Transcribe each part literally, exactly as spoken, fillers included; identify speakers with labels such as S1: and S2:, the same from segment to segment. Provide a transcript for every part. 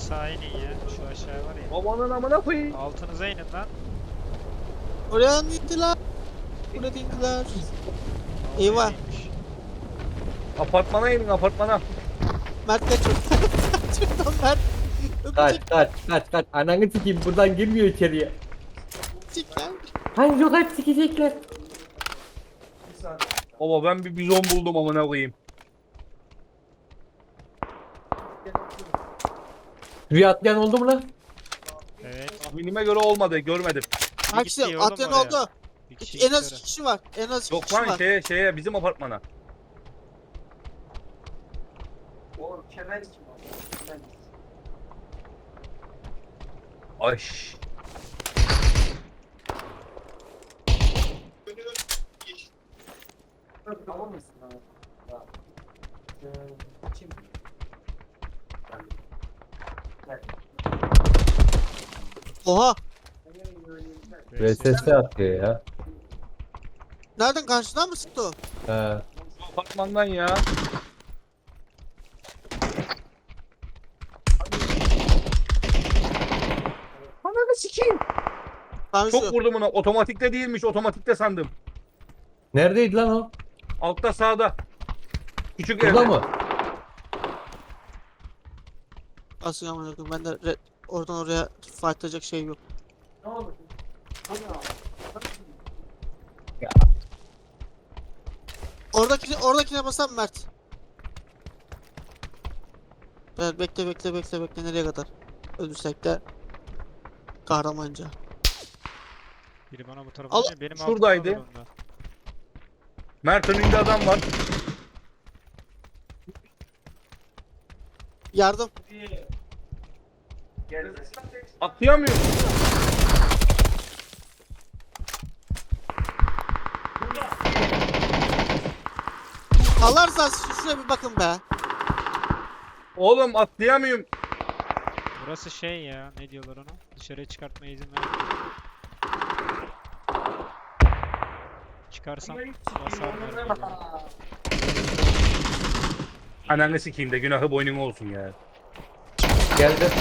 S1: aşağı inin ya. Şu aşağı var ya.
S2: Babanın amına koyayım.
S1: Altınıza inin lan.
S3: Oraya indiler. Buraya indiler.
S1: O
S3: Eyvah.
S1: neymiş?
S2: Apartmana inin apartmana.
S3: Mert kaç. Şuradan Mert.
S4: Kaç
S3: Öpecek
S4: kaç kaç kaç. Ananı sikeyim buradan girmiyor içeriye.
S3: öpecekler.
S4: Hangi sokak sikecekler?
S2: Baba ben bir bizon buldum amına koyayım.
S4: Rüya atlayan oldu mu lan?
S1: Evet.
S2: Tahminime göre olmadı görmedim.
S3: Hangisi?
S1: gitti oğlum
S3: Atyan
S1: oraya.
S3: oldu.
S1: Bir kişi
S3: En az
S1: gitti
S3: iki kişi var. En az iki
S2: Yok
S3: kişi
S2: lan
S3: var.
S2: şeye şeye bizim apartmana. Ay.
S3: Oha.
S1: oraya.
S4: V S S atıyor ya.
S3: Nereden karşıdan mı sıktı o?
S4: He.
S2: Şu apartmandan ya. Ananı sikeyim.
S3: Tanju.
S2: Çok vurdum ona. Otomatikte değilmiş. Otomatikte sandım.
S4: Neredeydi lan o?
S2: Altta sağda. Küçük
S4: Burada
S2: evde.
S4: mı?
S3: Asıl amına koyayım. Ben de re- oradan oraya fightlayacak şey yok.
S4: Ya.
S3: Oradakine, oradakine basan Mert. Evet, bekle bekle bekle bekle nereye kadar? Ölürsek de kahramanca.
S1: Biri bana bu tarafa
S3: Al-
S1: dönüyor, benim
S2: şuradaydı.
S1: altımda var onda.
S2: Mert önünde adam var.
S3: Yardım.
S2: Atlayamıyor.
S3: Allah rızası için şuraya bir bakın be.
S2: Oğlum atlayamıyorum.
S1: Burası şey ya, ne diyorlar ona? Dışarıya çıkartmaya izin ver. Çıkarsam basarlar. beni.
S2: Ananı sikeyim de günahı boynuma olsun ya.
S4: Geldi.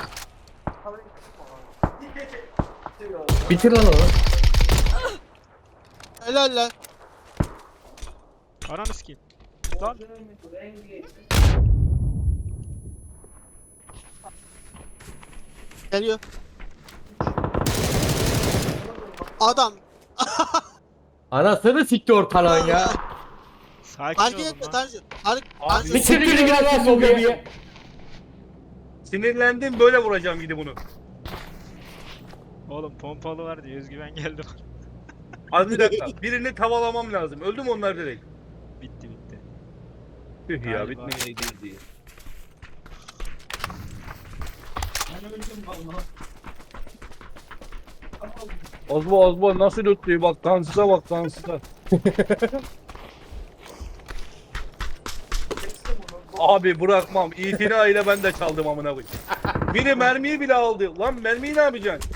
S4: Bitir lan onu.
S3: Helal lan.
S1: Ananı sikeyim. Lan.
S3: Geliyor. Adam.
S4: Anasını sikti ortalığın ya.
S1: Sakin
S3: Hareket
S1: olun
S3: etme
S1: lan.
S3: Tanju. Hareket.
S2: Abi,
S3: Tanju.
S4: Bitir biri gel lan bu bebeği.
S2: Sinirlendim böyle vuracağım gidi bunu.
S1: Oğlum pompalı var diye özgüven geldi bana.
S2: Az bir dakika. Birini tavalamam lazım. Öldü mü onlar direkt?
S1: Bitti bitti.
S2: Tüh ya
S1: Galiba.
S2: bitmeyeydi diye. Ozbo Ozbo nasıl lütlüyor bak dansıza bak dansıza. Abi bırakmam. İtina ile ben de çaldım amına koyayım. Biri mermiyi bile aldı. Lan mermiyi ne yapacaksın?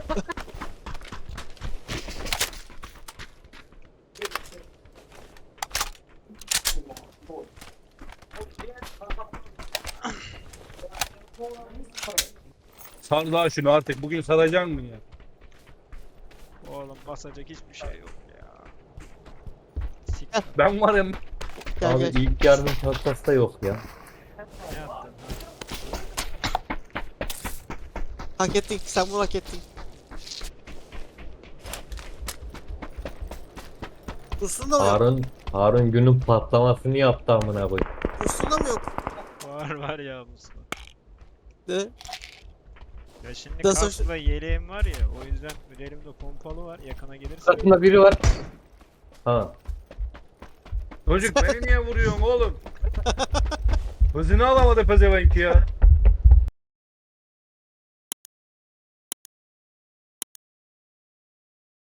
S2: Sar daha şunu artık. Bugün saracaksın mı ya?
S1: Oğlum basacak hiçbir şey yok ya. Sik
S2: Ben varım.
S3: Gel
S4: Abi
S3: gel.
S4: ilk yardım çantası da yok ya.
S1: ne yaptın?
S3: Hak ettin. Sen bunu hak ettin. Dursun da mı yok?
S4: Harun Harun günün patlamasını yaptı amına koyayım.
S3: Dursun da mı yok?
S1: Var var ya Mustafa.
S3: De.
S1: Ya şimdi
S3: Nasıl-
S1: kaskla yeleğim var ya, o yüzden elimde pompalı var, yakına gelirse
S4: Sırtında biri var. Ha.
S2: Çocuk beni niye vuruyorsun oğlum? Hızını alamadı pezevenk ya.